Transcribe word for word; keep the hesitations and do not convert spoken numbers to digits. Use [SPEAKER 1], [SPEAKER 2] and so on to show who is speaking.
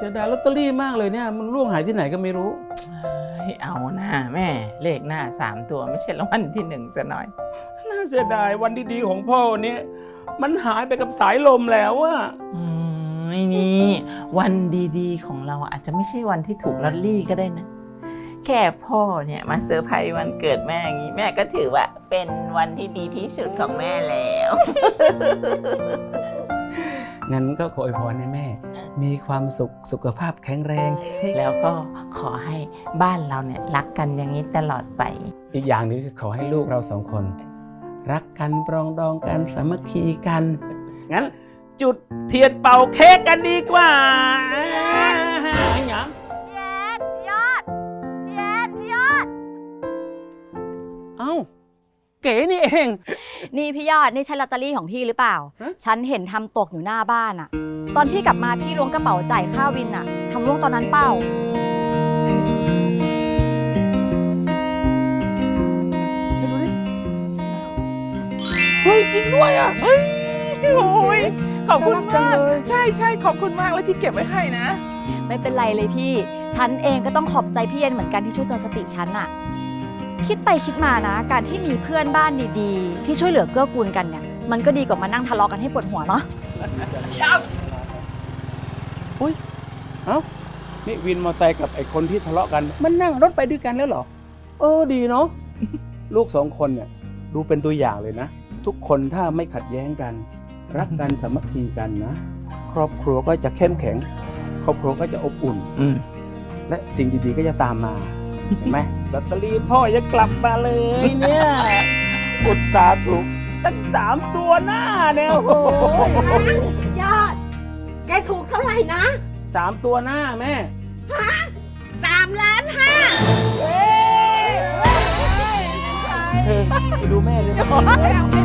[SPEAKER 1] สียดายลอตเตอรี่มากเลยเนี่ยมันล่วงหายที่ไหนก็ไม่รู้
[SPEAKER 2] ให้เอาหน้าแม่เลขหน้าสามตัวไม่ใช่รางวัลที่หนึ่งซะหน่อย
[SPEAKER 1] น่าเสียดายวันดีๆของพ่อเนี่ยมันหายไปกับสายลมแล้วอะ
[SPEAKER 2] อืมไม่นี่วันดีๆของเราอาจจะไม่ใช่วันที่ถูกลอตเตอรี่ก็ได้นะแค่พ่อเนี่ยมาเซอร์ไพรส์วันเกิดแม่อย่างนี้แม่ก็ถือว่าเป็นวันที่ดีที่สุดของแม่แล้ว
[SPEAKER 1] งั้นก็ขออวยพรให้แม่มีความสุขสุขภาพแข็งแรง
[SPEAKER 2] แล้วก็ขอให้บ้านเราเนี่ยรักกันอย่างนี้ตลอดไป
[SPEAKER 1] อีกอย่างนึงคือขอให้ลูกเราสองคนรักกันปรองดองกันสามัคคีกันงั้นจุดเทียนเป่าเค้กกันดีกว่าหยัง
[SPEAKER 3] พี่แอนพี่ยอดพี่แอนพี่ยอด
[SPEAKER 1] เอ้าเก๋นี่เอง
[SPEAKER 3] นี่พี่ยอดนี่ใช่ลอตเตอรี่ของพี่หรือเปล่าฉันเห็นทำตกอยู่หน้าบ้านอะตอนพี่กลับมาพี่ล้วงกระเป๋าจ่ายค่าวินอะทำล้วงตอนนั้นเปล่า
[SPEAKER 2] เฮ้ยจริงด้วยอ่ะเฮ้ยโอ้ยขอบคุณมากใช่ใช่ขอบคุณมากแล้วที่เก็บไว้ให้นะ
[SPEAKER 3] ไม่เป็นไรเลยพี่ฉันเองก็ต้องขอบใจพี่เย็นเหมือนกันที่ช่วยเตือนสติฉันอะคิดไปคิดมานะการที่มีเพื่อนบ้านดีๆที่ช่วยเหลือเกื้อกูลกันเนี่ยมันก็ดีกว่ามานั่งทะเลาะกันให้ปวดหัวเนาะ
[SPEAKER 1] อุ้ยเอ้านี่วินมอเตอร์ไซค์กับไอ้คนที่ทะเลาะกันมันนั่งรถไปด้วยกันแล้วเหรอเออดีเนาะ ลูกสองคนเนี่ยดูเป็นตัวอย่างเลยนะทุกคนถ้าไม่ขัดแย้งกันรักกันสามัคคีกันนะครอบครัวก็จะเข้มแข็งครอบครัวก็จะอบอุ่นและสิ่งดีๆก็จะตามมาเห็นไหมลอตเตอรี่พ่อยังกลับมาเลยเนี่ยอุตส่าห์ถูกตั้งสามตัวหน้าเนี่ยโอ้โห
[SPEAKER 4] ยอดแกถูกเท่าไหร่นะ
[SPEAKER 1] สามตัวหน้าแม่
[SPEAKER 4] ฮะสามล้านห้า
[SPEAKER 1] เธอไปดูแม่เลยนะ